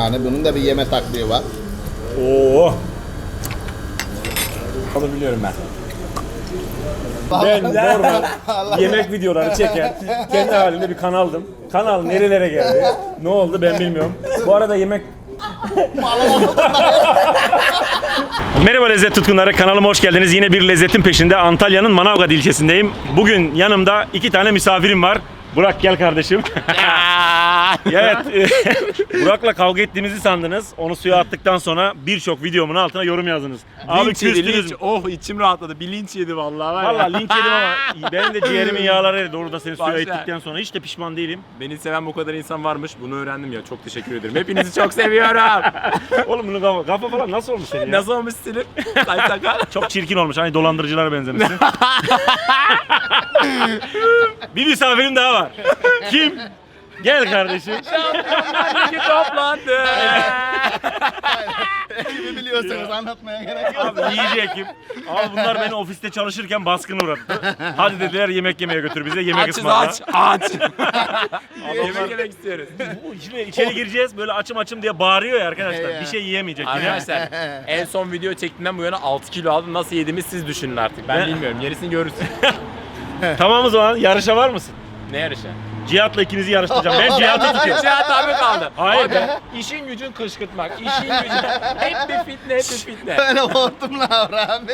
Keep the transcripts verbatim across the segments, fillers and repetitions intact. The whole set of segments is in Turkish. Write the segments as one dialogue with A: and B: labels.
A: yani. Bunun da bir yeme taktiği var.
B: Oo. Onu biliyorum ben. Ben normal yemek videoları çeken kendi halinde bir kanaldım. Kanal nerelere geldi? Ne oldu ben bilmiyorum. Bu arada yemek... Merhaba lezzet tutkunları, kanalıma hoş geldiniz. Yine bir lezzetin peşinde Antalya'nın Manavgat ilçesindeyim. Bugün yanımda iki tane misafirim var. Burak gel kardeşim. Evet, Burak'la kavga ettiğimizi sandınız. Onu suya attıktan sonra birçok videomun altına yorum yazdınız. Abi
C: Linç yedi,
B: küstünüz.
C: linç. Oh içim rahatladı. Bir linç yedi vallahi var ya.
B: Valla linç yedim ama benim de ciğerimin yağları eridi. Orada seni suya
C: Başla.
B: ettikten sonra hiç de pişman değilim.
C: Beni seven bu kadar insan varmış. Bunu öğrendim ya. Çok teşekkür ederim. Hepinizi çok seviyorum.
B: Oğlum bunun kafa, kafa falan nasıl olmuş senin ya?
C: Nasıl olmuş Selim? Say sakal.
B: Çok çirkin olmuş. Hani dolandırıcılara benzemişsin. Bir misafirim daha var. Kim? Gel kardeşim.
C: Şampiyonlar Ligi toplandı.
A: Kimi biliyorsanız anlatmaya gerek yok.
B: Abi iyice ekip. Abi bunlar beni ofiste çalışırken baskına uğrattı. Hadi dediler yemek yemeye götür bize. Yemek
C: Açız
B: ısmarla.
C: aç aç. Yemek yemek istiyoruz.
B: Şimdi içeri gireceğiz böyle açım açım diye bağırıyor ya arkadaşlar.
A: Ya.
B: Bir şey yiyemeyecek yine.
C: Arkadaşlar en son video çektiğimden bu yana altı kilo aldım. Nasıl yediğimi siz düşünün artık. Ben
B: Ben-
C: bilmiyorum. Gerisini görürsün.
B: Tamam o zaman yarışa var mısın?
C: Ne yarışı?
B: Cihat'la ikinizi yarıştıracağım. Ben Cihat'ı tutuyorum.
C: Cihat abi kaldı.
B: Hayır
C: Abi,
B: be.
C: işin gücün kışkırtmak. İşin gücün. Hep bir fitne, hep bir fitne.
A: Öyle hortumla abi.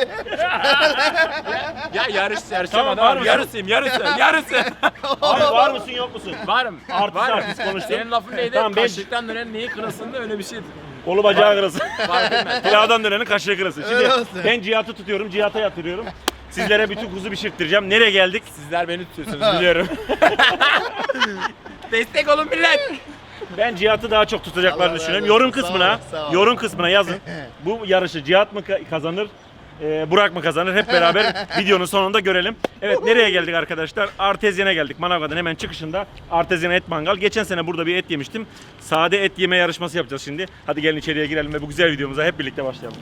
C: Ya yarış yarışamadım
B: Tamam, var
C: abi.
B: mısın?
C: Yarısıyım, yarısı, yarısı.
B: Abi var mısın yok musun?
C: Varım.
B: Artist
C: varım.
B: artist konuştun.
C: Senin lafın neydi?
B: Tamam, ben-
C: Kaşıktan dönen neyi kırılsın da öyle bir şeydi.
B: Kolu bacağı kırılsın.
C: Fark etmez.
B: Pilavdan dönenin kaşığı kırılsın. Şimdi
A: Öyle olsun.
B: ben Cihat'ı tutuyorum, Cihat'a yatırıyorum. Sizlere bütün kuzu pişirttireceğim. Nereye geldik?
C: Sizler beni tutuyorsunuz biliyorum. Destek olun millet.
B: Ben Cihat'ı daha çok tutacaklarını
A: Allah
B: düşünüyorum.
A: razı olsun.
B: Yorum
A: Sağ
B: kısmına,
A: ol, sağ ol.
B: yorum kısmına yazın. Bu yarışı Cihat mı ka- kazanır? e, Burak mı kazanır? Hep beraber videonun sonunda görelim. Evet, nereye geldik arkadaşlar? Artezyen'e geldik. Manavgat'ın hemen çıkışında Artezyen Et Mangal. Geçen sene burada bir et yemiştim. Sade et yeme yarışması yapacağız şimdi. Hadi gelin içeriye girelim ve bu güzel videomuza hep birlikte başlayalım.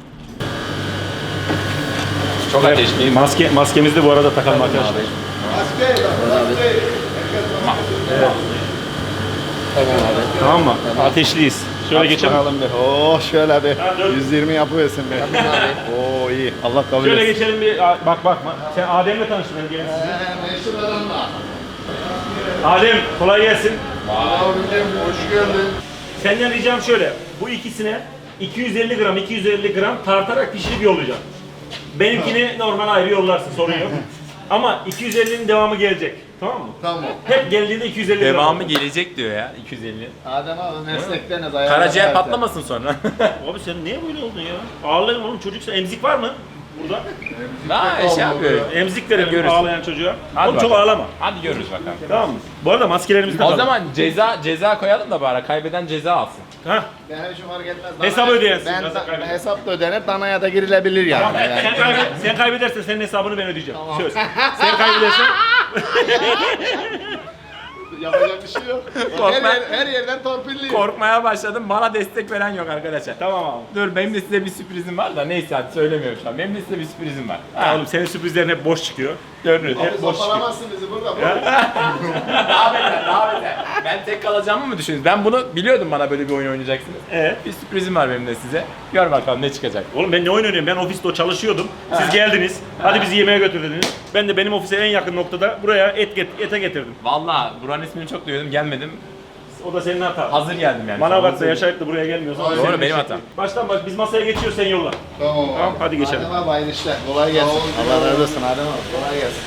C: Çok ateşliyim.
B: Maske, maskemizi de bu arada takalım arkadaşlar. Tamam mı? Ateşliyiz. Şöyle geçelim.
A: Bakalım bir. Oo şöyle bir.
B: Ha, dur.
A: yüz yirmi yapıversin bir. Oo iyi. Allah kabul
B: Şöyle
A: etsin.
B: geçelim bir. Aa, Bak bak. Sen Adem'le tanıştın benim gelin sizinle.
A: Meşhur adamla.
B: Adem kolay gelsin.
A: Abicim hoş geldin.
B: Senden ricam şöyle. Bu ikisine iki yüz elli gram iki yüz elli gram tartarak pişirip yollayacağım. Benimkini normal ayrı yollarsın, sorun yok. Ama iki yüz ellinin devamı gelecek. Tamam mı?
A: Tamam.
B: Hep geldiğinde iki yüz elli gram.
C: Devamı gelecek diyor ya iki yüz elli.
A: Adem abi meslekteniz. ayağına
C: Karaciğer
A: kalktı.
C: patlamasın sonra.
B: Abi sen niye böyle oldun ya? Ağlayın oğlum, çocuksa emzik var mı? Burada.
C: Ha şey yapıyor.
B: Emzik verelim
C: Görürsün.
B: ağlayan çocuğa.
C: Hadi
B: Oğlum çok
C: bakalım.
B: ağlama.
C: Hadi görürüz bakalım.
B: Tamam mı? Bu arada maskelerimizi
C: O
B: takalım.
C: zaman ceza ceza koyalım da bari kaybeden ceza alsın.
B: Hah.
A: Benim için fark etmez.
B: Hesap ödeyensin,
A: Ben
B: nasıl
A: da,
B: kaybeder?
A: hesap da ödenir, danaya da girilebilir yani.
B: Tamam,
A: Yani.
B: sen, kaybet, sen kaybedersen senin hesabını ben ödeyeceğim. Söz. Sen kaybedersen
A: Yapacak bir şey yok. her,
C: Korkma.
A: yer, her yerden torpilliyor.
C: Korkmaya başladım. Bana destek veren yok arkadaşlar.
B: tamam abi.
C: Dur benim de size bir sürprizim var da neyse hadi söylemiyorum şu an. Benim de size bir sürprizim var.
B: Ha, oğlum senin sürprizlerin hep boş çıkıyor.
C: Görünür.
A: Abi sopalamazsın bizi burada.
C: Daha beter, daha beter. Ben tek kalacağımı mı düşünüyorsunuz? Ben bunu biliyordum bana böyle bir oyun oynayacaksınız.
B: Evet.
C: Bir sürprizim var benim de size. Gör bakalım ne çıkacak.
B: Oğlum ben ne oyun oynuyorum? Ben ofiste o çalışıyordum. Siz geldiniz. Hadi bizi yemeğe götür dediniz. Ben de benim ofise en yakın noktada buraya et get ete getirdim.
C: Valla buranın ismini çok duyuyordum gelmedim.
B: O da senin hatan.
C: Hazır geldim yani.
B: Manavgat'ta yaşayıp da buraya gelmiyorsan.
A: Doğru,
B: senin
C: benim
B: işin.
C: hatam.
B: Baştan baş biz masaya geçiyoruz, sen yolla.
A: Tamam.
B: Tamam, hadi geçelim.
A: Adem abi hayırlı işler. Kolay gelsin. Allah razı olsun Adem abi. Kolay gelsin.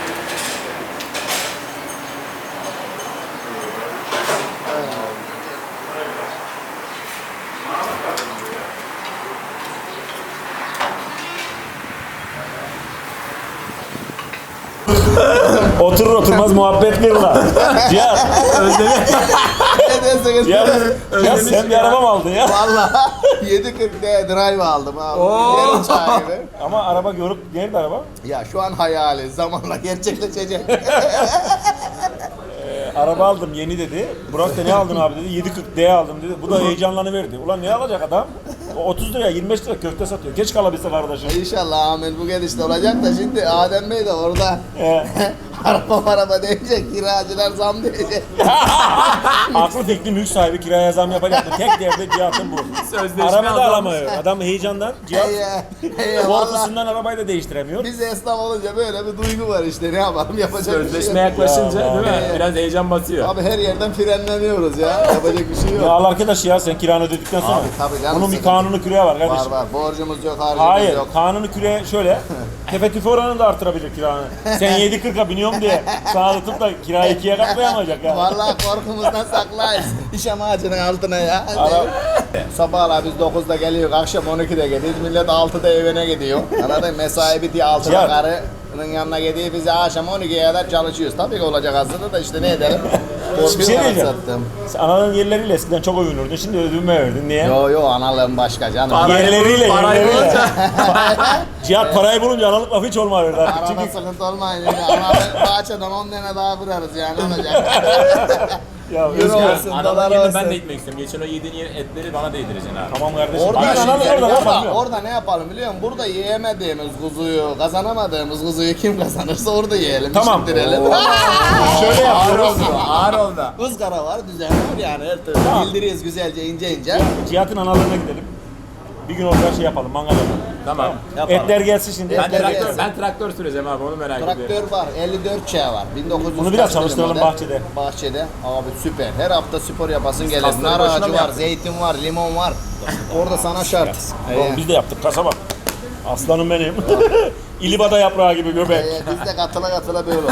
B: Oturur oturmaz muhabbet kırla. Cihat.
A: Ne derseniz.
B: Cihat. Cihat sen bir araba mı aldın ya?
A: Valla yedi kırk D drive aldım abi. Yarım sahibi.
B: Ama araba görüp nerede araba?
A: Ya şu an hayali. Zamanla gerçekleşecek.
B: Araba aldım yeni dedi. Burak da ne aldın abi dedi. yedi kırk D aldım dedi. Bu da heyecanlanıverdi. Ulan ne alacak adam? O otuz liraya yirmi beş lira köfte satıyor. Geç kalabilse kardeşim.
A: İnşallah Ahmet bu gelişte olacak da şimdi Adem Bey de orada
B: He.
A: araba araba diyecek, kiracılar zam diyecek.
B: Aklı fikri mülk sahibi kiraya zam yapacak mı? Tek derdi Cihat'ın bu.
C: Sözleşme
B: Araba da
C: azalmış.
B: alamıyor. Adam heyecandan Cihat
A: Hey ya, valla.
B: korkusundan arabayı da değiştiremiyor.
A: Biz esnaf olunca böyle bir duygu var işte, ne yapalım, yapacak bir şey
C: Sözleşme
A: yok.
C: yaklaşınca
B: Ya,
C: değil mi?
A: ya.
C: Biraz heyecan basıyor.
A: Abi her yerden frenleniyoruz ya, yapacak bir şey
B: Ya
A: yok.
B: al arkadaş ya sen kiranı ödedikten sonra.
A: Abi, tabii canım,
B: Bunun bir
A: sıkıntı.
B: kanunu küreye var
A: Var
B: kardeşim.
A: var, borcumuz yok, harcımız
B: Hayır,
A: yok.
B: kanunu küre şöyle. Tefe tüfe oranını da artırabilir kiranı. Sen yedi kırka biniyorum diye sana tutup da kirayı ikiye katlayamayacak ya.
A: Vallahi korkumuzdan saklayız. İşam ağacının altına ya.
B: Ara-
A: Sabahlar biz dokuzda geliyoruz, akşam on ikide gidiyoruz. Millet altıda evine gidiyor. Anladın mı? Mesai bitiyor altıda,
B: Cihat.
A: karının yanına gidiyor. Biz akşam on ikiye kadar çalışıyoruz. Tabii ki olacak aslında da işte ne edelim.
B: Bir şey diyeceğim.
A: Sattım.
B: Sen ananın yerleriyle eskiden çok övünürdün. Şimdi ödünme verdin. Niye?
A: Yo yo, analığım başka canım.
C: Parayı
B: Yerleriyle,
C: bulup parayı
B: yerleriyle.
C: bulunca.
B: Cihat parayı bulunca analık lafı hiç olmuyor artık.
A: Arada
B: Çünkü
A: sıkıntı olmayın. Analık bahçeden on tane daha kurarız yani, olacak.
B: ya
A: Euro
B: Özgür,
A: olsun,
C: Adamın
A: dolar
C: yerine
A: olsun.
C: ben de gitmek istiyorum. Geçen o yediğin etleri bana da yedireceksin abi.
B: tamam kardeşim.
A: Orada,
B: Bak,
A: şimdi,
B: analık orada,
A: orada,
B: orada,
A: orada ne yapalım biliyor musun? Burada yiyemediğimiz kuzuyu, kazanamadığımız kuzuyu kim kazanırsa orada yiyelim.
B: Tamam.
A: pişirtirelim.
B: Şöyle
C: Ağır
B: yapıyoruz.
C: oldu. Ağır oldu.
A: Izgara var, düzen var yani her türlü.
B: Tamam.
A: Bildiriyoruz güzelce, ince ince.
B: Cihat'ın analığına gidelim. Bir gün orada şey yapalım, mangal yapalım.
C: Tamam.
A: Yapalım.
B: Etler gelsin şimdi.
C: Ben
A: Etler
C: traktör,
A: gelsin.
C: ben traktör süreceğim abi onu merak ediyorum.
A: Traktör var, elli dört Ç var. bin dokuz yüz
B: Bunu biraz
A: kaç dedim
B: çalıştıralım
A: model?
B: bahçede.
A: Bahçede. Abi süper. Her hafta spor yapasın gelir.
C: kasları
A: Nar
C: boşuna
A: ağacı
C: mı
A: var,
C: yaptık?
A: zeytin var, limon var. Orada sana şart.
B: Oğlum biz de yaptık kasaba. Aslanım benim. İlibada yaprağı gibi göbek.
A: Ee, biz de katıla katıla böyle oldu.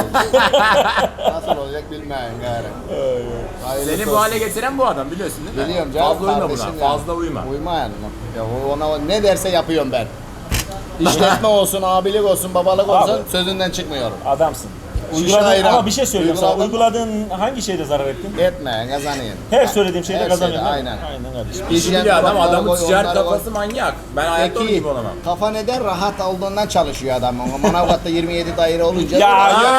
A: Nasıl olacak bilmeyin gari. Hayırlısı
C: Seni bu
A: olsun.
C: hale getiren bu adam biliyorsun değil mi?
A: Biliyorum canım.
C: Fazla uyma
A: kardeşim
C: buna.
A: ya.
C: Fazla uyma.
A: Uyma yani. Ya o- ona ne derse yapıyorum ben. İşletme olsun, abilik olsun, babalık olsun
B: Abi.
A: sözünden çıkmıyorum.
B: Adamsın.
A: Şişe
B: Uyguladın,
A: ayran.
B: ama bir şey söyleyeyim sana.
A: Uyguladım.
B: Uyguladığın hangi şeyde zarar ettin?
A: Etme, kazanayım.
B: Her söylediğim şeyde
A: Her
B: kazanıyorsun.
A: şeyde,
B: değil mi?
A: aynen.
B: Aynen kardeşim.
C: İşi
A: Hijyen
C: biliyor adam.
A: kuralları
C: Adamın
A: koy,
C: ticaret
A: onları koy.
C: kafası manyak. Ben hayatta onun
A: Peki,
C: gibi olamam.
A: kafa neden rahat olduğundan çalışıyor adam. Ama Manavgat'ta yirmi yedi daire olunca.
B: Ya,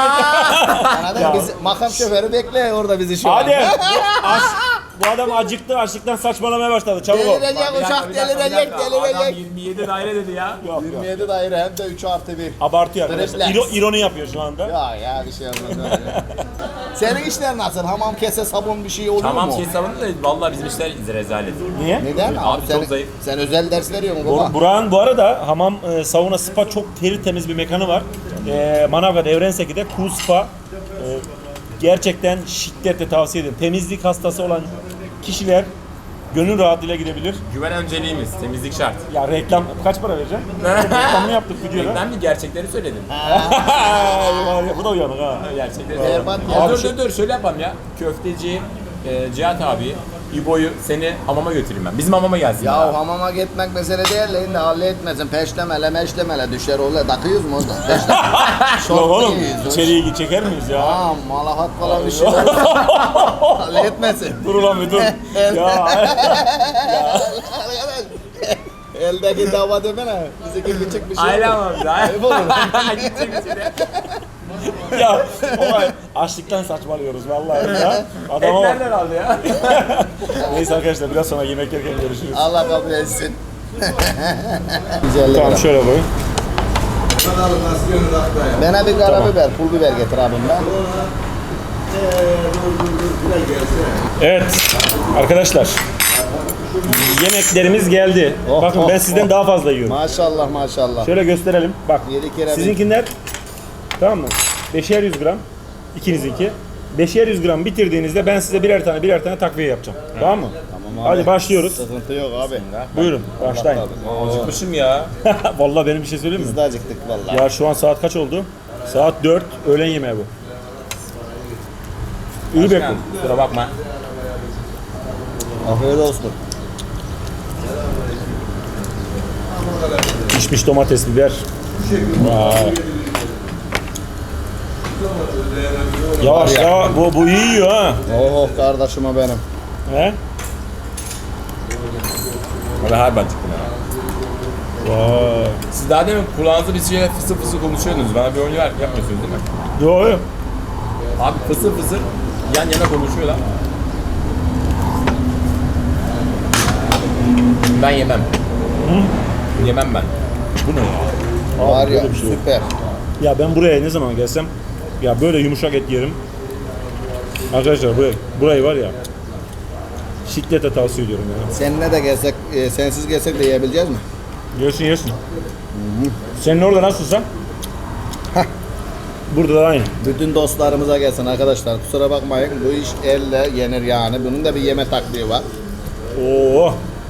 A: Anladın
B: Ya.
A: mı? Biz, makam şoförü bekliyor orada bizi şu
B: Hadi.
A: an.
B: Bu, aç, bu adam acıktı, açlıktan saçmalamaya başladı. Çabuk ol.
A: Delirecek,
C: Bir dakika,
A: uçak
C: bir dakika, bir
A: delirecek,
C: dakika. Adam
A: delirecek.
C: yirmi yedi daire dedi ya.
B: Yok, yok.
A: yirmi yedi daire hem de üç artı bir.
B: Abartıyor arkadaşlar.
A: Refleks.
B: İro, ironi yapıyor şu anda.
A: Ya ya bir şey olmaz. Senin işler nasıl? Hamam, kese, sabun bir şey oluyor
C: Tamam
A: mu?
C: şey savundu da vallahi bizim işler rezalet.
B: Niye?
A: Neden?
C: Abi
A: Abi,
C: çok
A: sen,
C: zayıf.
A: sen özel ders veriyor musun
B: Bur-
A: baba?
B: Burak'ın bu arada hamam, e, sauna, spa çok teri temiz bir mekanı var. E, Manavgat Evrenseki'de Cool Spa. E, gerçekten şiddetle tavsiye ederim. Temizlik hastası olan kişiler gönül rahatlığıyla gidebilir.
C: Güven önceliğimiz. Temizlik şart.
B: Ya reklam kaç para vereceğim? Reklamını yaptık videoda.
C: Ben bir gerçekleri söyledim.
B: Bu da uyanık ha.
C: Gerçekleri
A: Berbat
C: söyledim.
A: ya.
C: Ya dur
B: Abi şu-
C: dur dur şöyle yapalım ya. Köfteci e, Cihat abi, İbo'yu seni hamama götüreyim ben. Bizim hamama gelsin.
A: Ya
C: abi.
A: hamama gitmek mesele değil de yine halletmesin. Peşlemele meşlemele düşer orada. Takıyoruz mu orada? Peşle.
B: Yok
A: Şort
B: oğlum
A: giyiyoruz.
B: içeriye çeker miyiz ya?
A: Tamam, malafat falan bir şey olur. Halletmesin.
B: Dur ulan bir dur. ya.
A: Arkadaş, eldeki dava demene. Bizdeki küçük bir şey
C: Aile
A: olur.
C: hamamı.
A: Ayıp olur.
C: Gidecek içeri.
B: ya olay açlıktan saçmalıyoruz vallahi ya.
C: Et
B: Adama bak.
C: nereden aldı ya?
B: Neyse arkadaşlar biraz sonra yemek yerken görüşürüz.
A: Allah kabul etsin. Güzellik.
B: Tamam şöyle koy.
A: Bana bir karabiber, pul biber getir abimden.
B: Evet arkadaşlar. Yemeklerimiz geldi.
A: Oh,
B: Bakın
A: oh,
B: ben sizden
A: oh.
B: daha fazla yiyorum.
A: Maşallah maşallah.
B: Şöyle gösterelim. Bak.
A: Yedi kere bir.
B: Sizinkiler tamam mı? Beşer yüz gram. İkinizinki. Beşer yüz gram bitirdiğinizde ben size birer tane birer tane takviye yapacağım. Tamam mı?
A: Tamam abi.
B: Hadi başlıyoruz.
A: Sıkıntı yok abi.
B: Buyurun başlayın.
C: Acıkmışım ya.
B: Vallahi benim bir şey söyleyeyim mi?
A: Biz de acıktık vallahi.
B: Ya şu an saat kaç oldu? Saat dört. Öğlen yemeği bu. İyi bekle.
C: Başkan, kusura bakma.
A: Afiyet olsun.
B: Pişmiş domates, biber. Vay. Yavaş ya, bu, bu iyi yiyor ha.
A: Oh kardeşime benim.
B: He?
C: Valla harbi acıktım ya.
B: Vay.
C: Siz daha demin kulağınızda bir şey fısır fısır konuşuyordunuz. Bana bir oyun ver, yapmıyorsunuz değil mi?
B: Yo yo.
C: Abi fısır fısır yan yana konuşuyorlar. Ben yemem. Yemem ben.
B: Bu ne ya?
A: Var
B: Abi,
A: ya
B: böyle bir şey yok.
A: süper.
B: Ya ben buraya ne zaman gelsem Ya böyle yumuşak et yerim. Arkadaşlar burayı, burayı var ya şiddetle tavsiye ediyorum ya.
A: Seninle de gelsek, e, sensiz gelsek de yiyebileceğiz mi?
B: Yesin yesin. Senin orada nasılsa? Burada da aynı.
A: Bütün dostlarımıza gelsin arkadaşlar. Kusura bakmayın, bu iş elle yenir yani. Bunun da bir yeme taktiği var.
B: Oo.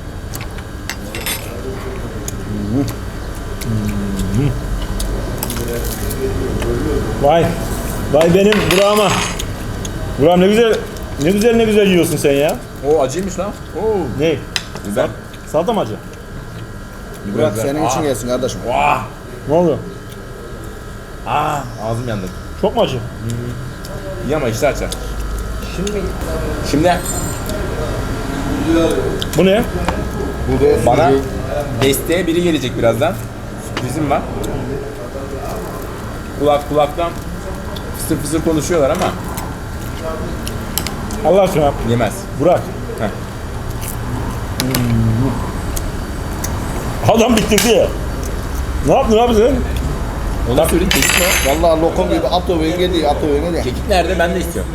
B: Vay. Vay benim Burak'ıma. Burak ne güzel ne güzel ne güzel yiyorsun sen ya.
C: O acıymış lan. Oo.
B: Ne?
C: Güzel.
B: Salata mı acı?
A: Burak
C: Güzel.
A: senin için
C: Aa.
A: gelsin kardeşim.
C: Vah.
B: Ne oluyor?
C: Aa, ağzım yandı.
B: Çok mu acı?
C: İyi ama işte açar. Şimdi Şimdi
B: Bu ne?
A: Bu da
C: bana desteğe biri gelecek birazdan. Sürprizim var. Kulak kulaktan fısır fısır konuşuyorlar ama
B: Allah aşkına
C: yemez.
B: Burak.
C: Heh.
B: Adam bitirdi ya. Ne yaptın abi sen?
C: Ona söyleyeyim, kekik ne?
A: vallahi lokum gibi at övün geliyor, at övün geliyor.
C: Kekik nerede? Ben de istiyorum.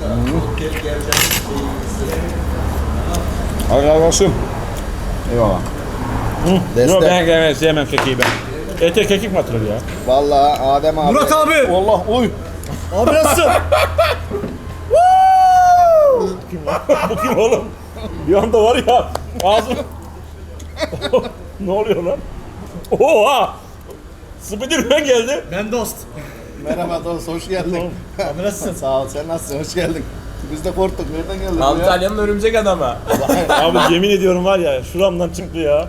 A: Arkadaşım.
C: Eyvallah.
A: Destek.
B: Yok ben ben sevmem kekiği ben. Ete kekik mi atılır ya?
A: Vallahi Adem abi.
D: Murat abi!
A: Allah uy.
D: Abi nasılsın?
B: Bu kim oğlum? Bir anda var ya ağzım. Ne oluyor lan? Oha! Spiderman geldi.
D: Ben dost.
A: Merhaba dost, hoş geldin.
D: Abi nasılsın?
A: Sağ ol, sen nasılsın? Hoş geldin. Biz de korktuk. Nereden geldin? ya?
C: Antalya'nın örümcek adamı.
B: Abi yemin ediyorum var ya şuramdan çıktı ya.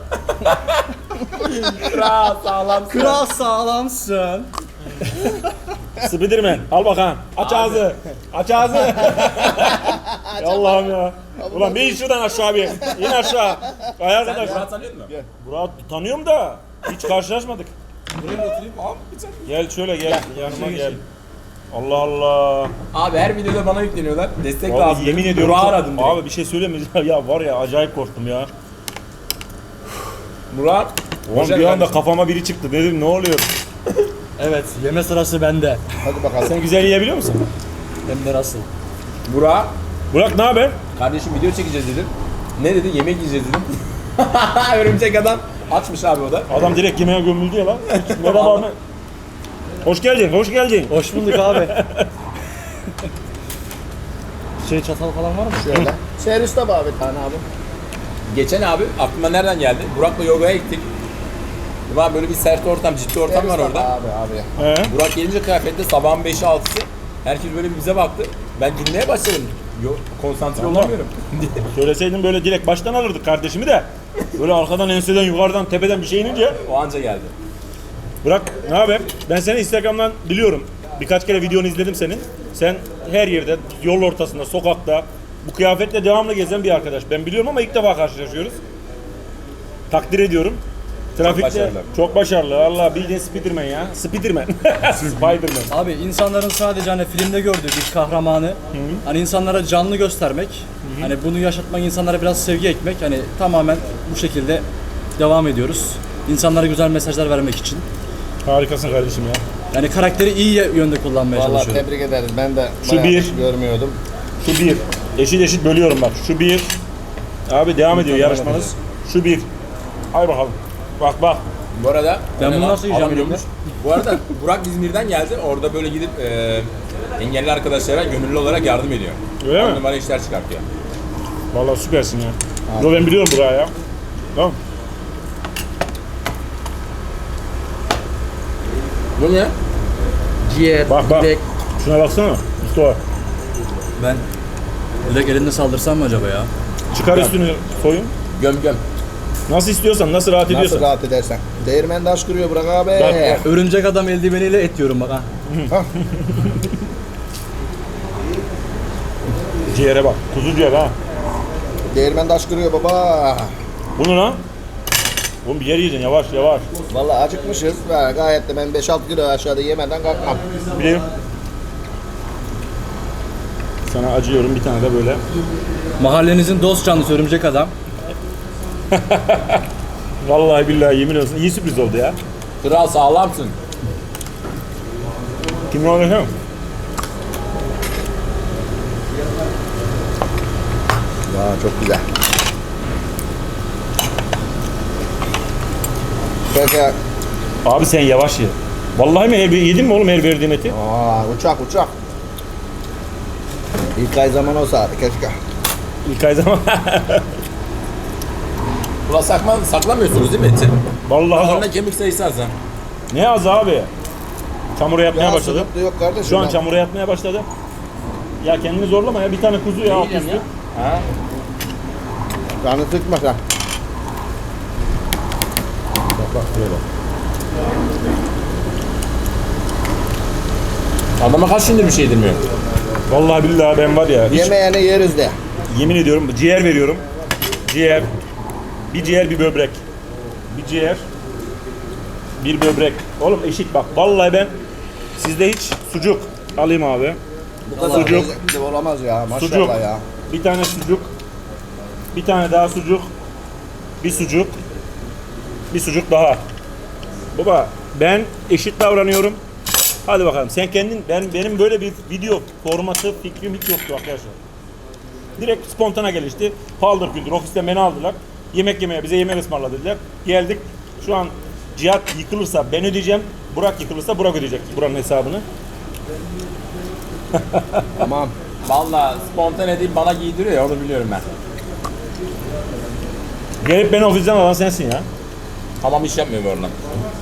C: Kral sağlam.
D: Kral sağlamsın.
B: Spiderman al bakalım. Aç ağzı. Aç ağzı. Ya Allah'ım ya. Ulan bir in şuradan aşağı bir. İn aşağı. Ay
C: Sen
B: arkadaş.
C: Murat tanıyor musun?
B: Burak tanıyorum da hiç karşılaşmadık.
C: Buraya mı oturayım? Abi bir tane.
B: Gel şöyle gel. Yanıma gel. Allah Allah.
C: Abi her videoda bana yükleniyorlar. Destek
B: Abi
C: lazım.
B: yemin ediyorum.
C: Burak'ı
B: çok-
C: aradım direkt.
B: Abi bir şey söyleyeyim mi? Ya var ya acayip korktum ya.
C: Burak.
B: Oğlum bir anda kafama biri çıktı. Dedim ne oluyor?
D: Evet, yeme sırası bende.
A: Hadi bakalım.
B: Sen güzel yiyebiliyor musun?
D: Hem de nasıl?
C: Burak.
B: Burak ne haber?
C: Kardeşim video çekeceğiz dedim. Ne dedi? Yemek yiyeceğiz dedim. Örümcek adam. Açmış abi o da.
B: Adam direkt yemeğe gömüldü ya lan. Merhaba abi. Hoş geldin, hoş geldin.
D: Hoş bulduk abi. Şey çatal falan var mı?
A: Şöyle. Serviste bak bir tane abi.
C: Geçen abi aklıma nereden geldi? Burak'la yogaya gittik. Var böyle bir sert ortam, ciddi ortam var
A: Serviste
C: orada.
A: bak Abi abi.
B: He?
C: Burak gelince kıyafette sabahın beşi altısı. Herkes böyle bir bize baktı. Ben gülmeye başladım. Yok konsantre
B: Tamam.
C: olamıyorum.
B: Söyleseydin böyle direkt baştan alırdık kardeşimi de. Böyle arkadan, enseden, yukarıdan, tepeden bir şey inince.
C: O anca geldi.
B: Burak ne haber? Ben seni Instagram'dan biliyorum. Birkaç kere videonu izledim senin. Sen her yerde, yol ortasında, sokakta bu kıyafetle devamlı gezen bir arkadaş. Ben biliyorum ama ilk defa karşılaşıyoruz. Takdir ediyorum. Trafikte
C: başarılı.
B: çok başarılı. Allah bildiğin Spiderman ya. Spiderman. Spiderman.
D: Abi insanların sadece hani filmde gördüğü bir kahramanı hani insanlara canlı göstermek, hani bunu yaşatmak, insanlara biraz sevgi ekmek, hani tamamen bu şekilde devam ediyoruz. İnsanlara güzel mesajlar vermek için.
B: Harikasın kardeşim ya.
D: Yani karakteri iyi yönde kullanmaya
A: Vallahi
D: çalışıyorum.
A: tebrik ederiz. Ben de
B: Şu
A: bayağı
B: bir.
A: görmüyordum.
B: Şu bir. Eşit eşit bölüyorum bak. Şu bir. Abi devam ediyor yarışmanız. Şu bir. Hay bakalım. Bak bak.
C: Bu arada
D: Ben
C: o ne
D: bunu
C: lan?
D: nasıl yiyeceğim
C: Adam yokmuş. Bu arada Burak İzmir'den geldi. Orada böyle gidip e, engelli arkadaşlara gönüllü olarak yardım ediyor.
B: Öyle
C: On
B: mi?
C: numara işler çıkartıyor.
B: Vallahi süpersin ya. Yo ben biliyorum buraya ya. Tamam.
C: Bu ne?
D: Ciğer,
B: Bak bak. Şuna baksana. Mustafa.
D: Ben direkt elinde saldırsam mı acaba ya?
B: Çıkar üstünü soyun.
C: Göm göm.
B: Nasıl istiyorsan, nasıl rahat
A: Nasıl
B: ediyorsan.
A: rahat edersen. Değirmen taş kırıyor Burak abi.
B: Bak, bak.
D: Örümcek adam eldiveniyle et yiyorum bak ha.
B: Ciğere bak. Kuzu ciğer ha.
A: Değirmen taş kırıyor baba.
B: Bunu lan. Oğlum bir yer yiyeceksin yavaş yavaş.
A: Vallahi acıkmışız. Ve gayet de ben beş altı kilo aşağıda yemeden kalkmam.
B: Bileyim. Sana acıyorum bir tane de böyle.
D: Mahallenizin dost canlısı örümcek adam.
B: Vallahi billahi yemin olsun iyi sürpriz oldu ya.
C: Kral sağlamsın.
B: Kim olacak?
A: Aa, çok güzel. Peki.
B: Abi sen yavaş ye. Vallahi mi her bir yedin mi oğlum her verdiğim eti?
A: Aa, uçak uçak. İlk ay zaman olsa keşke.
B: İlk ay zaman.
C: Ulan sakma, saklamıyorsunuz değil mi eti?
B: Vallahi
C: Onda kemik sayısı az ha.
B: ne az abi. Çamura yatmaya
A: Ya
B: başladı.
A: sıkıntı yok kardeşim.
B: Şu an
A: ben-
B: çamura yatmaya başladı. Ya kendini zorlama ya bir tane kuzu ya alt üstü.
C: Ha?
A: Canı sıkma sen.
B: Bak bak şuraya bak.
C: Adama kaç gündür bir şey yedirmiyor.
B: Vallahi billahi ben var ya hiç
A: Yemeğini yeriz de.
B: yemin ediyorum ciğer veriyorum. Ciğer. Bir ciğer bir böbrek. Bir ciğer. Bir böbrek. Oğlum eşit bak. Vallahi ben sizde hiç sucuk alayım abi.
A: Bu kadar
B: Sucuk.
A: lezzetli olamaz ya. Maşallah
B: Sucuk.
A: ya.
B: Bir tane sucuk. Bir tane daha sucuk. Bir sucuk. Bir sucuk daha. Baba ben eşit davranıyorum. Hadi bakalım sen kendin ben benim böyle bir video formatı fikrim hiç yoktu arkadaşlar. Direkt spontane gelişti. Paldır küldür ofisten beni aldılar. Yemek yemeye bize yemek ısmarladı dediler. Geldik. Şu an Cihat yıkılırsa ben ödeyeceğim. Burak yıkılırsa Burak ödeyecek buranın hesabını.
A: Tamam.
C: Valla spontane değil bana giydiriyor ya onu biliyorum ben.
B: Gelip beni ofisten alan sensin ya.
C: Tamam iş yapmıyor bu arada.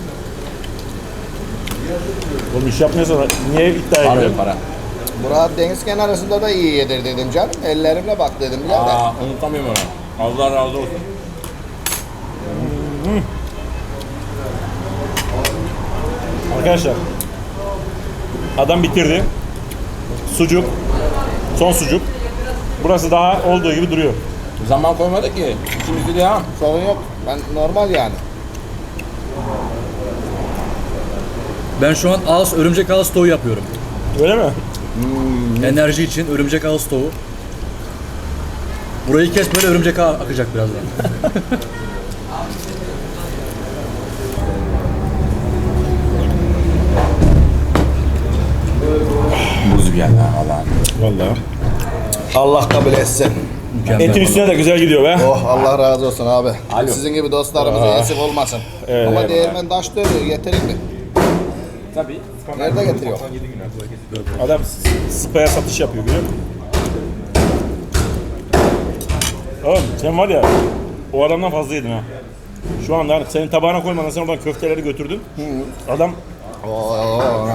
B: Oğlum iş yapmıyorsan niye iddiaya
C: Para yok
B: giriyorsun?
C: para.
A: Murat deniz kenarında da iyi yedir dedim canım. Ellerimle bak dedim ya.
C: Aa unutamıyorum onu. Allah razı olsun.
B: Arkadaşlar adam bitirdi. Sucuk. Son sucuk. Burası daha olduğu gibi duruyor.
C: Zaman koymadı ki. İkimiz de ya.
A: Sorun yok. Ben normal yani.
D: Ben şu an ağız, örümcek ağız tavuğu yapıyorum.
B: Öyle mi?
D: Enerji için örümcek ağız tavuğu. Burayı kes böyle örümcek ağı akacak birazdan.
C: Buz geldi ha valla.
B: Vallahi.
A: Allah kabul etsin.
D: Mükemmel.
B: Etin üstüne de güzel gidiyor be.
A: Oh Allah razı olsun abi.
C: Alo.
A: Sizin gibi dostlarımıza eksik olmasın.
B: Evet,
A: Ama
B: evet.
A: değirmen taş dövüyor. Getirin mi?
C: Tabii.
A: Nerede getiriyor?
B: Adam spaya satış yapıyor görüyor musun? Oğlum sen var ya o adamdan fazla yedin ha. Şu anda hani senin tabağına koymadan sen oradan köfteleri götürdün. Adam
A: Oo.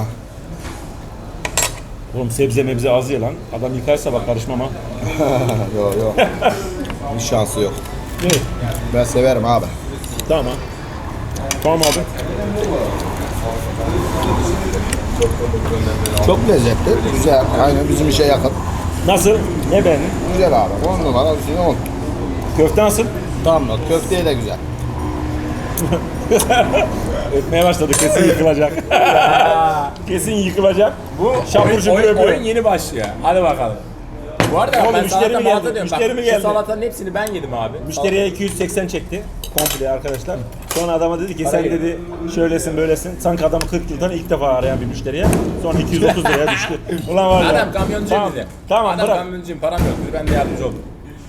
B: oğlum sebze mebze az ye lan. Adam yıkarsa bak karışmam ha.
A: Yok yok. Bir şansı yok.
B: Evet.
A: Ben severim abi.
B: Tamam. Tamam abi.
A: Çok lezzetli. Güzel. Aynen bizim işe yakın.
B: Nasıl? Ne beğendin?
A: Güzel abi. On numara üstüne on.
B: Köfte nasıl?
A: Tamam. Köfteye de güzel.
B: Ötmeye başladı. Kesin yıkılacak. Kesin yıkılacak.
C: Bu
B: Şapur
C: oyun,
B: şupur
C: oyun,
B: yapıyor.
C: oyun yeni başlıyor. Hadi bakalım. Bu arada
B: Oğlum,
C: ben
B: müşteri mi
C: salata
B: geldi?
C: malata diyorum.
B: Müşteri
C: Bak,
B: mi
C: şu
B: geldi?
C: salatanın hepsini ben yedim abi.
B: Müşteriye iki yüz seksen çekti komple arkadaşlar. Sonra adama dedi ki sen
C: Parayı-
B: dedi şöylesin böylesin. Sanki adamı kırk yıldan ilk defa arayan bir müşteriye. Sonra iki yüz otuz liraya düştü. Ulan var ya.
C: Adam kamyoncu
B: Tamam,
C: dedi.
B: tamam
C: Adam
B: bırak.
C: kamyoncuyum param yok dedi ben de yardımcı oldum.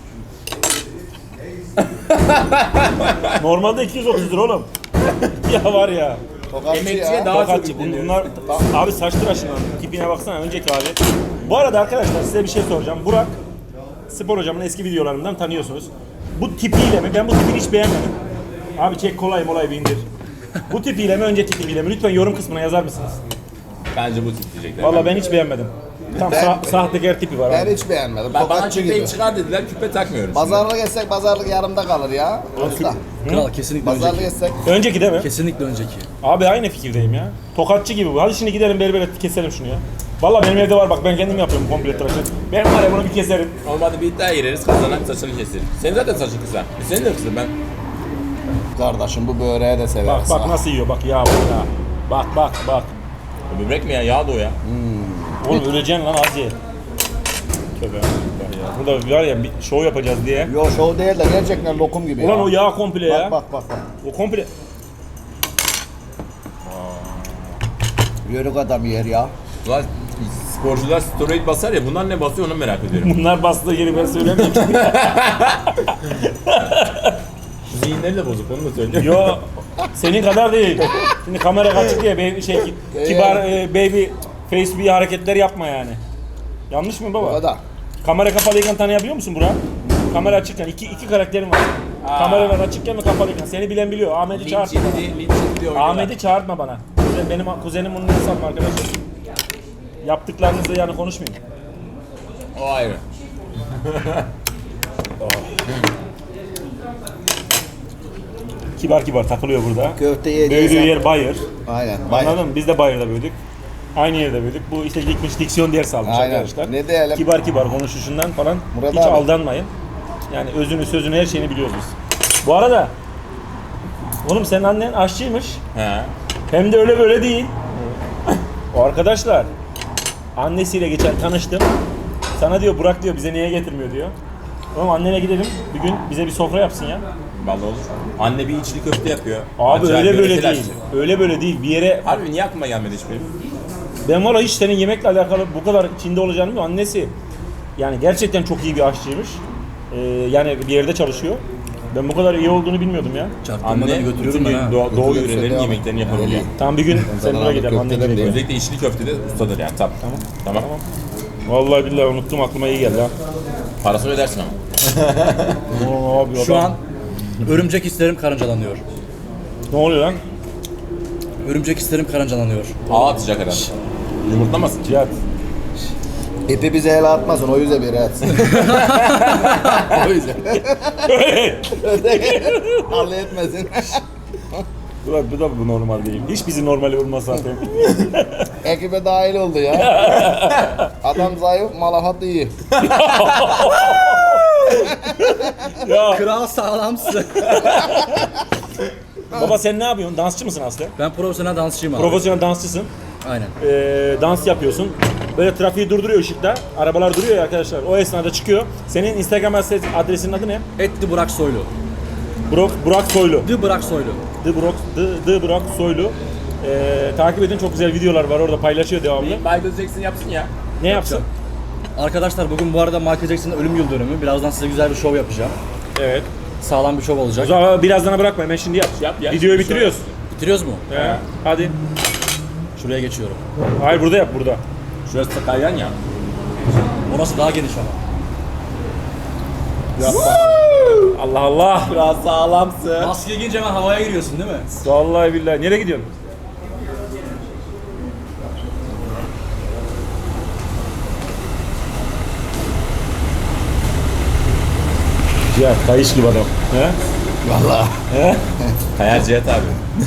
B: Normalde iki yüz otuz lira oğlum. Ya var ya.
A: Tokatçı
C: Emekçiye
A: ya.
C: daha çok
B: Tokatçı.
C: yükleniyoruz.
B: Bunlar abi saç tıraşından tipine baksana önceki hali. Bu arada arkadaşlar size bir şey soracağım. Burak spor hocamın eski videolarından tanıyorsunuz. Bu tipiyle mi? Ben bu tipini hiç beğenmedim. Abi çek kolay molay bir indir. Bu tipiyle mi önceki tipiyle mi? Lütfen yorum kısmına yazar mısınız?
C: Bence bu tip diyecekler.
B: Vallahi ben hiç beğenmedim. Tam
A: Ben-
B: sa- sahtekar tipi var
A: Ben
B: abi.
A: hiç beğenmedim.
C: Ben, bana
A: Tokatçı
C: küpeyi
A: gibi.
C: çıkar dediler küpe takmıyorum.
A: Pazarlık etsek pazarlık yarımda kalır ya. Usta.
D: Kral kesinlikle
A: Pazarlık
D: önceki.
A: etsek.
B: Önceki değil mi?
D: Kesinlikle önceki.
B: Abi aynı fikirdeyim ya. Tokatçı gibi bu. Hadi şimdi gidelim berbere keselim şunu ya. Vallahi benim evde var bak ben kendim yapıyorum komple tıraşı. Ben var ya bunu bir keserim.
C: Olmadı bir iddiaya gireriz kazanan saçını kesilir. Senin zaten saçın kısa. E senin de kısa ben.
A: Kardeşim bu böreği de
B: Bak
A: severiz.
B: bak
A: ha.
B: nasıl yiyor bak ya bak ya. Bak bak bak.
C: O böbrek mi ya? Yağ da o ya.
B: Oğlum öleceksin lan az ye. Tövbe bak ya. Burada var ya bir show yapacağız diye.
A: Yo show değil de gerçekten lokum gibi
B: Ulan
A: ya.
B: o yağ komple ya.
A: Bak bak bak. bak.
B: O komple.
A: Yörük adam yer ya.
C: Ulan sporcular steroid basar ya, bunlar ne basıyor onu merak ediyorum.
B: Bunlar bastığı yeri ben söylemiyorum.
C: Zihinleri de bozuk, onu da söyleyeyim.
B: Yo, senin kadar değil. Şimdi kamera açık diye baby, şey, kibar e, baby face bir hareketler yapma yani. Yanlış mı baba?
A: O da.
B: Kamera kapalıyken tanıyabiliyor musun Burak? Kamera açıkken iki iki karakterim var. Kameralar açıkken ve kapalıyken. Seni bilen biliyor. Ahmet'i
C: Linç
B: çağırtma bana.
C: yedi, linç yedi diye oynuyorlar.
B: Ahmet'i çağırtma bana. Kuzen- Benim kuzenim onun insan arkadaşım. Yaptıklarınızla yani konuşmayayım.
C: O ayrı.
B: Kibar kibar takılıyor burada.
A: Köfte yiyeceğiz.
B: Büyüdüğü yer Bayır.
A: Aynen.
B: Anladın mı? Biz de Bayır'da büyüdük. Aynı yerde büyüdük. Bu işte gitmiş diksiyon ders almış
A: Aynen.
B: arkadaşlar.
A: Ne diyelim?
B: Kibar kibar konuşuşundan falan
A: Murat
B: hiç
A: abi.
B: aldanmayın. Yani özünü sözünü her şeyini biliyoruz biz. Bu arada oğlum senin annen aşçıymış.
C: He.
B: Hem de öyle böyle değil. O arkadaşlar annesiyle geçen tanıştım. Sana diyor Burak diyor bize niye getirmiyor diyor. Oğlum annene gidelim bir gün bize bir sofra yapsın ya.
C: Vallahi olur. Anne bir içli köfte yapıyor.
B: Abi
C: Acayip
B: öyle böyle
C: yöresel
B: değil.
C: aşçı.
B: Öyle böyle değil. Bir yere
C: Harbi niye aklıma gelmedi hiç benim?
B: ben valla hiç senin yemekle alakalı bu kadar içinde olacağını bilmiyorum. Annesi yani gerçekten çok iyi bir aşçıymış. Ee, yani bir yerde çalışıyor. Ben bu kadar iyi olduğunu bilmiyordum ya.
D: Çarptırmadan
C: Anne bütün
D: götürüyorum ben ha.
C: doğu, doğu
A: Götürüyorsa
C: yörelerin
A: devam.
C: yemeklerini yapabiliyor.
B: Tamam bir gün sen
A: sana
B: buraya
A: abi
B: gidelim. Annen
A: köfteler
B: gidelim.
A: diye.
C: Özellikle içli köftede ustadır yani. Tamam. Tamam. Tamam.
B: Vallahi billahi unuttum aklıma iyi geldi ha.
C: Parasını ödersin ama.
B: Oo, abi,
D: Şu
B: adam-
D: an örümcek hislerim karıncalanıyor.
B: ne oluyor lan?
D: Örümcek hislerim karıncalanıyor.
C: Ağ atacak herhalde. Yumurtlamasın.
B: Cihat.
A: İpi bize el atmasın, o yüzden bir atsın. O yüzden. Allah etmesin.
B: Bu da, bu da bu normal değil. Hiç bizi normali olmaz zaten.
A: Ekibe dahil oldu ya. Adam zayıf, malafat iyi.
B: ya
D: Kral sağlamsın.
B: baba sen ne yapıyorsun? Dansçı mısın Aslı?
D: Ben profesyonel dansçıyım abi.
B: Profesyonel dansçısın.
D: Aynen.
B: Ee, dans yapıyorsun. Böyle trafiği durduruyor ışıkta. Arabalar duruyor ya arkadaşlar. O esnada çıkıyor. Senin Instagram adres- adresinin adı ne?
D: Etli Burak Soylu.
B: Burak, Burak Soylu.
D: The Burak Soylu.
B: The Burak, The, The Burak Soylu. Ee, takip edin, çok güzel videolar var orada, paylaşıyor devamlı.
C: Michael Jackson yapsın ya.
B: Ne yapsın?
D: Arkadaşlar bugün bu arada Michael Jackson'ın ölüm yıl dönümü. Birazdan size güzel bir şov yapacağım.
B: Evet.
D: Sağlam bir şov
B: O
D: olacak.
B: zaman birazdan bırakma, hemen şimdi yap.
C: Yap ya.
B: Videoyu
C: Şimdi
B: bitiriyoruz.
D: Bitiriyoruz mu?
B: He, hadi.
D: Şuraya geçiyorum.
B: Hayır burada yap, burada.
C: Şurası da kaygan ya.
D: Orası daha geniş ama.
B: Allah Allah.
C: Biraz sağlamsın.
D: Maske giyince hemen havaya giriyorsun değil mi?
B: Vallahi billahi. Nereye gidiyorsun? Cihat, kayış gibi adam. He?
A: Vallahi.
B: He?
C: Kayar Cihat abi.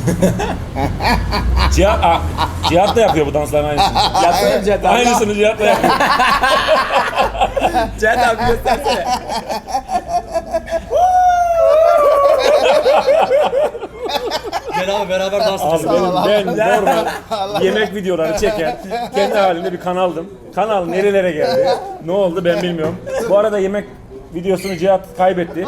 B: Cihat, ah, Cihat da yapıyor bu dansların aynısını.
C: Yapsana Cihat abi.
B: Aynısını Cihat da yapıyor.
C: Cihat abi göstersene.
D: Gel abi beraber dans
B: Abi
D: edelim.
B: benim, ben normal yemek videoları çeken kendi halinde bir kanaldım. Kanal nerelere geldi? Ne oldu ben bilmiyorum. Bu arada yemek videosunu Cihat kaybetti.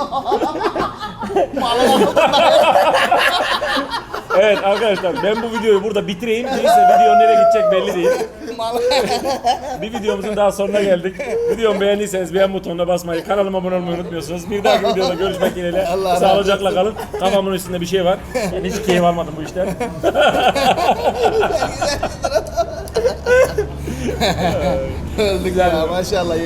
B: Evet arkadaşlar ben bu videoyu burada bitireyim. Neyse video nereye gidecek belli değil. Bir videomuzun daha sonuna geldik. Videomu beğendiyseniz beğen butonuna basmayı, kanalıma abone olmayı unutmuyorsunuz. Bir dahaki videoda görüşmek dileğiyle.
A: Allah razı
B: Sağlıcakla kalın. Kafamın üstünde bir şey var. Ben hiç keyif almadım bu işten.
A: Öldük ya maşallah.